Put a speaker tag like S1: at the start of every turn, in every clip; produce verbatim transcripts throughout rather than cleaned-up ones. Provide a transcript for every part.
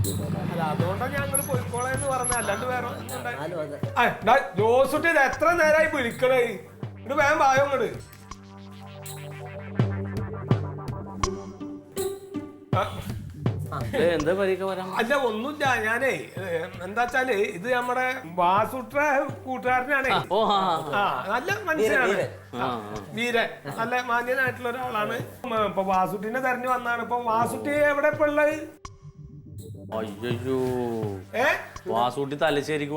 S1: അതുകൊണ്ടാണ് ഞങ്ങൾ പോയിക്കോളെന്ന് പറഞ്ഞ അല്ലാണ്ട് വേറെ ജോസുട്ടി ഇത് എത്ര നേരമായി വിളിക്കണേ ഇങ്ങോട്ട് വേഗം വായോ ഇങ്ങോട്ട്. അല്ല ഒന്നുമില്ല ഞാനേ എന്താച്ചാല് ഇത് നമ്മുടെ വാസുട്ര കൂട്ടുകാരനാണേ. ആ നല്ല മനുഷ്യനാണ്, വീരൻ, നല്ല മാന്യനായിട്ടുള്ള ഒരാളാണ്. ഇപ്പൊ വാസുട്ടിനെ തെരഞ്ഞു വന്നാണ്. ഇപ്പൊ വാസുട്ടി എവിടെ ഇപ്പൊ ഉള്ളത്?
S2: അയ്യോ വാസുട്ടി തലശ്ശേരിക്ക്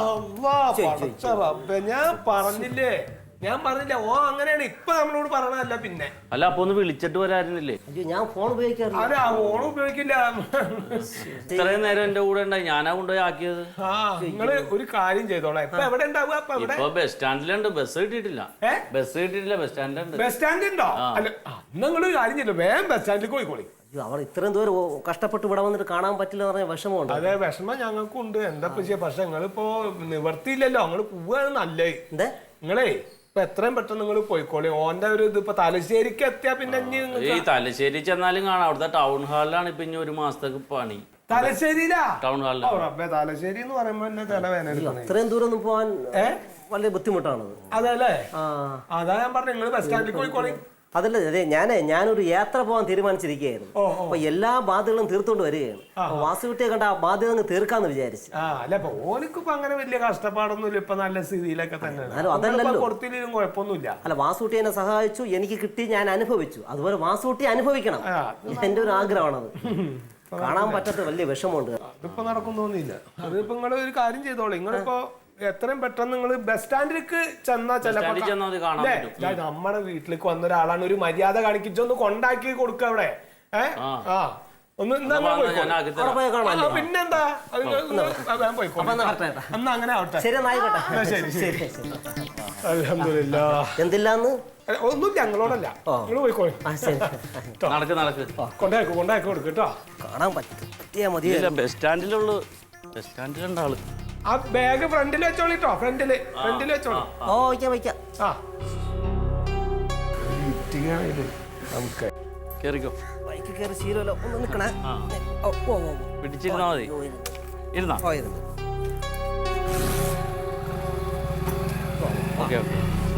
S1: ഞാൻ പറഞ്ഞില്ലേ ഞാൻ പറഞ്ഞില്ല ഓ അങ്ങനെയാണ് ഇപ്പൊ നമ്മളോട് പറയണതല്ല. പിന്നെ
S2: അല്ല അപ്പൊ ഒന്ന് വിളിച്ചിട്ട് വരാറില്ലേ?
S3: ഞാൻ ഫോൺ ഉപയോഗിക്കാറില്ല.
S1: അല്ല ഫോൺ ഉപയോഗിക്കില്ല.
S2: ഇത്രയും നേരം എന്റെ കൂടെ ഉണ്ടായി, ഞാനാ കൊണ്ടുപോയി ആക്കിയത്.
S1: ആ നിങ്ങള് ഒരു കാര്യം ചെയ്തോളാം. ഇപ്പൊ എവിടെ ഉണ്ടാവുക?
S2: ഇപ്പൊ ബസ് സ്റ്റാൻഡിലുണ്ട്. ബസ് കിട്ടിയിട്ടില്ല. ബസ് കിട്ടിയിട്ടില്ല. ബസ് സ്റ്റാൻഡിലുണ്ട്.
S1: ബസ് സ്റ്റാൻഡ് ഉണ്ടോ? അല്ല നിങ്ങളൊരു കാര്യം ചെയ്തോ, വേഗം ബസ് സ്റ്റാൻഡിലേക്ക് പോയിക്കോളി.
S3: അവർ ഇത്രയും ദൂരം കഷ്ടപ്പെട്ട് ഇവിടെ വന്നിട്ട് കാണാൻ പറ്റില്ല പറഞ്ഞ വിഷമമുണ്ട്.
S1: അതെ വിഷമം ഞങ്ങൾക്കും ഉണ്ട്. എന്താ ചെയ്യാ, പക്ഷെ നിങ്ങളിപ്പോ നിവർത്തിയില്ലല്ലോ. നിങ്ങള് പോവാണ് നല്ലേ. നിങ്ങളേ ഇപ്പൊ എത്രയും പെട്ടെന്ന് നിങ്ങൾ പോയിക്കോളി. ഓന്റെ ഒരു ഇത് ഇപ്പൊ തലശ്ശേരിക്ക് എത്തിയാ പിന്നെ
S2: ഈ തലശ്ശേരി ചെന്നാലും കാണാം. അവിടുത്തെ ടൗൺ ഹാളിലാണ് ഇപ്പൊ ഇനി ഒരു മാസത്തേക്ക് പണി.
S1: തലശ്ശേരിയിലാ?
S2: ടൗൺ ഹാളിലാണ്.
S1: തലശ്ശേരി എന്ന് പറയുമ്പോ തന്നെ തലവേദന.
S3: അത്രയും ദൂരം ഒന്നും പോവാൻ വളരെ ബുദ്ധിമുട്ടാണ്.
S1: അതെ അല്ലേ? അതാ ഞാൻ പറഞ്ഞു നിങ്ങൾ ബസ് സ്റ്റാൻഡിൽ പോയിക്കോളി.
S3: അതല്ല അതെ ഞാനേ ഞാനൊരു യാത്ര പോകാൻ തീരുമാനിച്ചിരിക്കുകയായിരുന്നു. അപ്പൊ എല്ലാ ബാധ്യതകളും തീർത്തോണ്ട് വരികയാണ്. വാസുകുട്ടിയെ കണ്ട ആ ബാധ്യത തീർക്കാന്ന് വിചാരിച്ചു.
S1: ഓനിക്കിപ്പോ അങ്ങനെ വലിയ കഷ്ടപ്പാടൊന്നുമില്ല. ഇപ്പൊ നല്ല സ്ഥിതിയിലൊക്കെ തന്നെയാണ്.
S3: അതല്ലല്ലോ,
S1: കൊടുത്തില്ലും കുഴപ്പമൊന്നുമില്ല.
S3: അല്ല വാസുകുട്ടി എന്നെ സഹായിച്ചു, എനിക്ക് കിട്ടി, ഞാൻ അനുഭവിച്ചു. അതുപോലെ വാസുകുട്ടി അനുഭവിക്കണം, എന്റെ ഒരു ആഗ്രഹമാണത്. കാണാൻ പറ്റാത്ത വലിയ വിഷമമുണ്ട്.
S1: അതിപ്പോ നടക്കും തോന്നിയില്ല. അതിപ്പോ നിങ്ങൾ ഒരു കാര്യം ചെയ്തോളൂ. നിങ്ങളിപ്പോ എത്രയും പെട്ടെന്ന് നിങ്ങൾ ബസ് സ്റ്റാൻഡിലേക്ക് ചെന്നാ ചിലപ്പോ നമ്മുടെ വീട്ടിലേക്ക് വന്ന ഒരാളാണ്, ഒരു മര്യാദ കാണിച്ചൊന്ന് കൊണ്ടാക്കി കൊടുക്കുക അവിടെ. ഏഹ് ആ ഒന്ന് പിന്നെന്താ എന്നാ അങ്ങനെ ആവട്ടെ.
S3: എന്തില്ലാന്ന്
S1: ഒന്നും ഞങ്ങളോടല്ല, നിങ്ങൾ പോയിക്കോളി. കൊണ്ടാക്കി കൊണ്ടാക്കി കൊടുക്കട്ടോ.
S3: കാണാൻ പറ്റിയാ മതി.
S2: ബസ് സ്റ്റാൻഡിലുള്ളു. ബസ് സ്റ്റാൻഡിലുണ്ടാള്.
S1: ആ ബാഗ് ഫ്രണ്ടിൽ വെച്ചോളിട്ടോ. ഫ്രണ്ടില് ഫ്രണ്ടിൽ വെച്ചോളൂ.
S3: ഓ വയ്ക്കാം വയ്ക്കാം.
S1: ആ നമുക്ക്
S2: കേറിക്കോ.
S3: ബൈക്ക് കയറി ശീലമല്ലോ. ഒന്ന് നിൽക്കണേ.
S2: പിടിച്ചിരുന്നാ മതി. ഇരുന്നാ ഓക്കെ ഓക്കെ.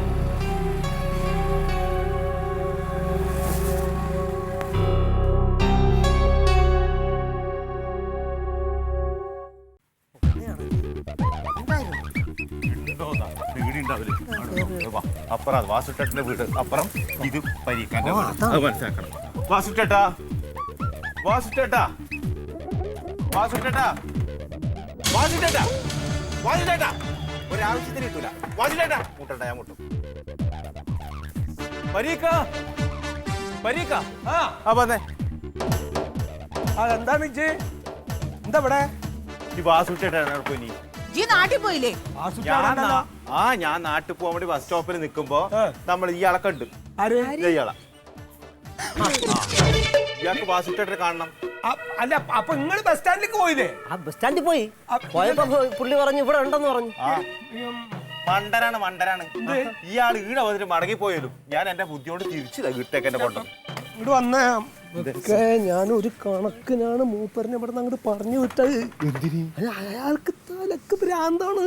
S4: അപ്പുറം വാസുട്ടേട്ടന്റെ വീട്, അപ്പുറം ഇത് പരീക്കാന്റെ വീട്. അത് മനസ്സിലാക്കണം. വാസുട്ടേട്ടാ വാസുട്ടേട്ടാ വാസുട്ടേട്ടാ വാസുട്ടേട്ടാ വാസുട്ടേട്ടാ ഒരാവശ്യത്തിന് കിട്ടൂല. വാസുട്ടേട്ടാ മുട്ടണ്ട, ഞാൻ മുട്ടും. പരീക്ക പരീക്ക ആ വന്നേ.
S1: അതെന്താണ് ഇജ്ജ് എന്താ ഇവിടെ?
S4: ഈ വാസുട്ടേട്ടാണ് പോയി.
S5: നാട്ടിൽ പോയില്ലേ?
S4: ആ ഞാൻ നാട്ടിൽ പോകാൻ വേണ്ടി ബസ് സ്റ്റോപ്പിൽ നിൽക്കുമ്പോ നമ്മൾ ഇയാളെ കണ്ടു. ഇയാളെ ഇയാൾക്ക് വാസുട്ടേട്ടനെ കാണണം.
S1: അല്ല അപ്പൊ നിങ്ങൾ ബസ് സ്റ്റാൻഡിലേക്ക് പോയില്ലേ?
S3: ആ ബസ് സ്റ്റാൻഡിൽ പോയി പോയപ്പോ പുള്ളി പറഞ്ഞു ഇവിടെ ഉണ്ടെന്ന് പറഞ്ഞു.
S4: മണ്ടനാണ് മണ്ടനാണ് ഇയാൾ. ഈടെ വന്നിട്ട് മടങ്ങിപ്പോയാലും ഞാൻ എന്റെ ബുദ്ധിയോട് തിരിച്ചില്ല കിട്ടേക്ക് എന്നെ കൊണ്ടു
S1: ഇങ്ങോട്ട് വന്നേ. ഞാൻ ഒരു കണക്കിനാണ് മൂപ്പറിനെ ഇവിടെ നിന്ന് അങ്ങോട്ട് പറഞ്ഞു വിട്ടത്. അല്ല അയാൾക്ക് തലക്ക് ഭ്രാന്താണ്.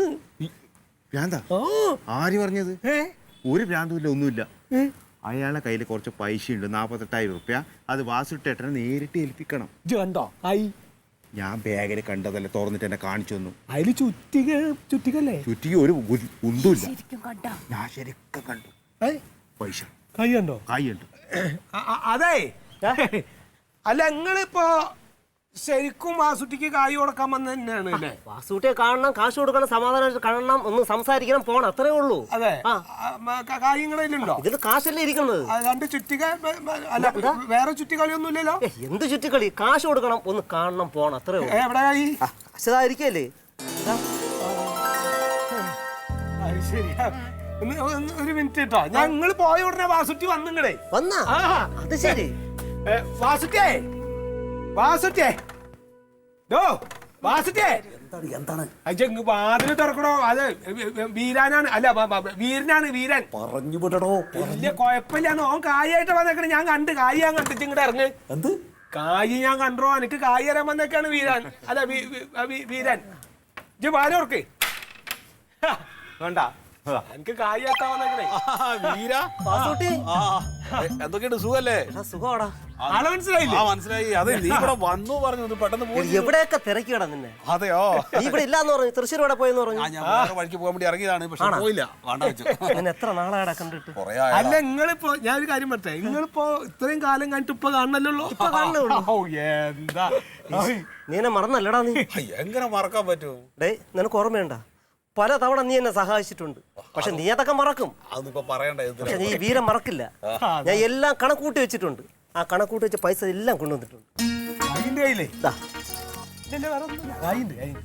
S4: ആര് പറഞ്ഞത്? ഒരു ഭ്രാന്തുമില്ല, ഒന്നുമില്ല. അയാളുടെ കയ്യിൽ കുറച്ച് പൈസ ഉണ്ട്, നാപ്പത്തെട്ടായിരം റുപ്യ. അത് വാസുട്ടേട്ടനെ നേരിട്ട് ഏൽപ്പിക്കണം.
S1: കണ്ടോ?
S4: ഞാൻ ബാഗിൽ കണ്ടതല്ലേ, തുറന്നിട്ട് എന്നെ കാണിച്ചു തന്നു.
S1: അതില് ചുറ്റിക ചുറ്റിക്കല്ലേ?
S4: ചുറ്റിക ഒരു ഒന്നുമില്ല. ഞാൻ ശരിക്കും കണ്ടു. പൈസ
S1: കൈ ഉണ്ടോ?
S4: കൈ ഉണ്ട്.
S1: അതെ അല്ല നിങ്ങളിപ്പോ ശരിക്കും വാസുട്ടിക്ക് കായ് കൊടുക്കാൻ വന്ന തന്നെയാണ് അല്ലേ?
S3: വാസുട്ടിയെ കാണണം, കാശ് കൊടുക്കണം, സമാധാനം കാണണം, ഒന്ന് സംസാരിക്കണം, പോണം, അത്രേ ഉള്ളൂ.
S1: അതെ കായ് നിങ്ങളുണ്ടോ?
S3: ഇതിൽ കാശല്ലേ ഇരിക്കുന്നത്.
S1: രണ്ട് ചുറ്റിക അല്ല വേറെ ചുറ്റിക്കളിയൊന്നും ഇല്ലല്ലോ.
S3: എന്ത് ചുറ്റിക്കളി? കാശ് കൊടുക്കണം, ഒന്ന് കാണണം, പോണം, അത്രേ ഉള്ളൂ.
S1: എവിടെ കായ്?
S3: കാശതായിരിക്കല്ലേ?
S1: ശരിയാ. ഒരു മിനിറ്റ് കേട്ടോ. ഞങ്ങൾ പോയ ഉടനെ വാസുട്ടി വന്നിങ്ങടേ
S3: വന്നാ? അത് ശരി.
S1: വാസുട്ടിയേ വാസുട്ടിയേ ഡോ വാസുട്ടിയേ
S3: എന്താണ്
S1: വാതിൽ തുറക്കണോ? അത് വീരാനാണ്. അല്ല വീരനാണ്. വീരൻ
S3: പറഞ്ഞു വിടണോ?
S1: വലിയ കുഴപ്പമില്ലാന്ന് ഓൻ കായായിട്ട് വന്നേക്കണേ. ഞാൻ കണ്ട് കായ് ഞാൻ കണ്ടിട്ട് ഇങ്ങോട്ട് ഇറങ്ങ്.
S3: എന്ത്
S1: കായ് ഞാൻ കണ്ടോ, എനിക്ക് കായ് തരാൻ വന്നേക്കാണ് വീരൻ. അല്ല വീ- വീ- വീ- വീരൻ ഇജ്ജ് പാലോർക്ക്
S4: വേണ്ട
S1: എനിക്ക് കായ് എത്താൻ വന്നേക്കണേ.
S5: വീര
S3: വാസൂട്ടി
S5: എന്തൊക്കെയുണ്ട് സുഖല്ലേ?
S3: എടാ, സുഖമാടാ.
S1: ആളെ മനസ്സിലായില്ലേ?
S5: ആ മനസ്സിലായി. അതെ നീ ഇവിടെ വന്നു പറഞ്ഞു ഒന്ന് പെട്ടെന്ന് പോയി.
S3: എവിടെയൊക്കെ തിരക്കിടാ നിന്നെ.
S5: അതെയോ?
S3: നീ ഇവിടെ ഇല്ലാന്ന് പറഞ്ഞു, തൃശ്ശൂർ ഇവിടെ പോയെന്ന് പറഞ്ഞു.
S5: ആ ഞാൻ വേറെ വഴിക്ക് പോകാൻ വേണ്ടി ഇറങ്ങിയതാണ്, പക്ഷെ പോയില്ല. വേണ്ട വെച്ചു.
S3: ഞാൻ എത്ര നാളാടാ കണ്ടിട്ട്.
S5: കൊറേ
S1: അല്ല നിങ്ങളിപ്പോ ഞാൻ ഒരു കാര്യം പറട്ടെ, നിങ്ങളിപ്പോ ഇത്രയും കാലം കഴിഞ്ഞിട്ട് ഇപ്പൊ കാണണല്ലോ. ഓ എന്താ
S3: നീ എന്നെ മറന്നല്ലടാ നീ.
S5: എങ്ങനെ മറക്കാൻ പറ്റും?
S3: ഡേ നിനക്ക് ഓർമ്മയുണ്ട, പല തവണ നീ എന്നെ സഹായിച്ചിട്ടുണ്ട്. പക്ഷെ നീ അതൊക്കെ മറക്കും.
S5: അതൊന്നും ഇപ്പൊ പറയണ്ട.
S3: പക്ഷെ നീ വീരം മറക്കില്ല. ഞാൻ എല്ലാം കണക്കൂട്ടി വെച്ചിട്ടുണ്ട്. ആ കണക്കൂട്ടി വെച്ച പൈസ എല്ലാം കൊണ്ടുവന്നിട്ടുണ്ട്.
S1: അതിന്റെ കയ്യിലേ
S3: ദാ,
S1: ഇതിന്റെ വേറെ ഒന്നുമില്ല. കായുണ്ട്, കായുണ്ട്.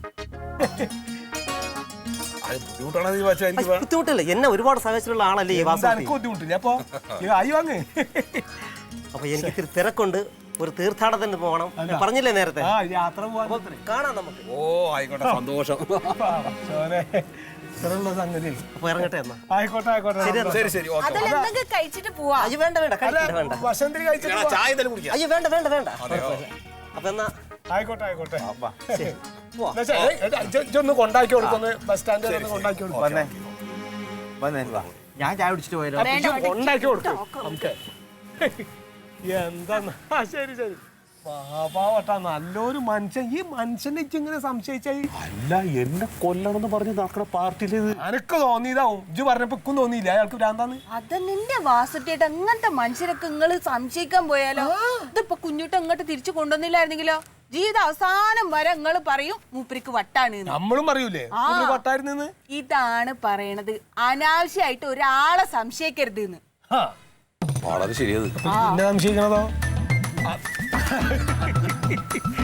S5: അത് ബുദ്ധിമുട്ടാണ് നീ വെച്ചാൽ എനിക്ക്
S3: അത് ബുദ്ധിമുട്ടില്ല. എന്നെ ഒരുപാട് സഹായിച്ചിട്ടുള്ള ആളല്ലേ ഈ
S1: എന്താ
S3: വാസു.
S1: എനിക്ക് ബുദ്ധിമുട്ടില്ല. അപ്പൊ ഈ കായ് വാങ്ങ്.
S3: അപ്പൊ എനിക്ക് ഇത്തിരി തിരക്കുണ്ട്, ഒരു തീർത്ഥാടനത്തിന് പോകണം. ഞാൻ പറഞ്ഞില്ലേ നേരത്തെ.
S1: ആ യാത്ര പോവാൻ
S3: കാണാം നമുക്ക്.
S5: ഓ ആയിക്കോട്ടെ, സന്തോഷം.
S1: ഇത്രയുള്ള സംഗതി.
S3: അപ്പൊ ഇറങ്ങട്ടെ എന്നാ.
S1: ആയിക്കോട്ടെ ആയിക്കോട്ടെ.
S5: ശരി ശരി ഓക്കെ.
S6: അതെല്ലാം എന്തെങ്കിലും കഴിച്ചിട്ട് പോവാ.
S3: അയ്യോ വേണ്ട വേണ്ട, കഴിക്കണ്ട വേണ്ട.
S1: വസന്തി കഴിച്ചിട്ട് പോവാം.
S5: ചായ എന്തെങ്കിലും കുടിക്കാം.
S3: അയ്യോ വേണ്ട വേണ്ട വേണ്ട. അപ്പൊ എന്നാ
S1: ആയിക്കോട്ടെ ആയിക്കോട്ടെ.
S3: ശരി, പോവാം.
S1: എന്നാ ശരി. ഏയ്, ഏയ്, ഇജ്ജ് ഇജ്ജ് ഒന്ന് കൊണ്ടാക്കി കൊടുക്കൊന്ന് ബസ് സ്റ്റാൻഡിൽ ഒന്ന് കൊണ്ടാക്കി കൊടുക്കും.
S4: വന്നേ വന്നേ ഞാൻ ചായ കുടിച്ചിട്ട് പോയാലോ?
S6: വേണ്ട, വേണ്ട.
S1: കൊണ്ടാക്കി കൊടുക്കും നമുക്ക്. എന്താ ആ ശരി ശരി. പാവട്ടാ നല്ലൊരു മനുഷ്യൻ. ഈ മനുഷ്യനെ ഇങ്ങനെ സംശയിച്ചായി.
S5: അല്ല എന്നെ കൊല്ലണമെന്ന് പറഞ്ഞ് നടക്കുന്ന പാർട്ടിയിലേത്
S1: അനക്ക് തോന്നിയതാവും. ഇജ്ജ് പറഞ്ഞപ്പോ ഇക്കും തോന്നിയില്ല അയാൾക്ക് ഭ്രാന്താന്ന്.
S6: അത് നിന്റെ വാസുട്ടിയായിട്ട് അങ്ങനത്തെ മനുഷ്യരൊക്കെ നിങ്ങള് സംശയിക്കാൻ പോയാലോ? ഇതിപ്പോ കുഞ്ഞുട്ട് അങ്ങോട്ട് തിരിച്ചു കൊണ്ടുവന്നില്ലായിരുന്നെങ്കിലോ? ജീവിത അവസാനം വരെ നിങ്ങൾ പറയും മൂപ്പരിക്ക് വട്ടാണ്.
S1: നമ്മളും പറയൂലേ വട്ടായിരുന്നു.
S6: ഇതാണ് പറയണത്, അനാവശ്യമായിട്ട് ഒരാളെ സംശയിക്കരുത് എന്ന്.
S5: വളരെ ശരിയത്.
S1: എന്നെ സംശയിക്കണതോ?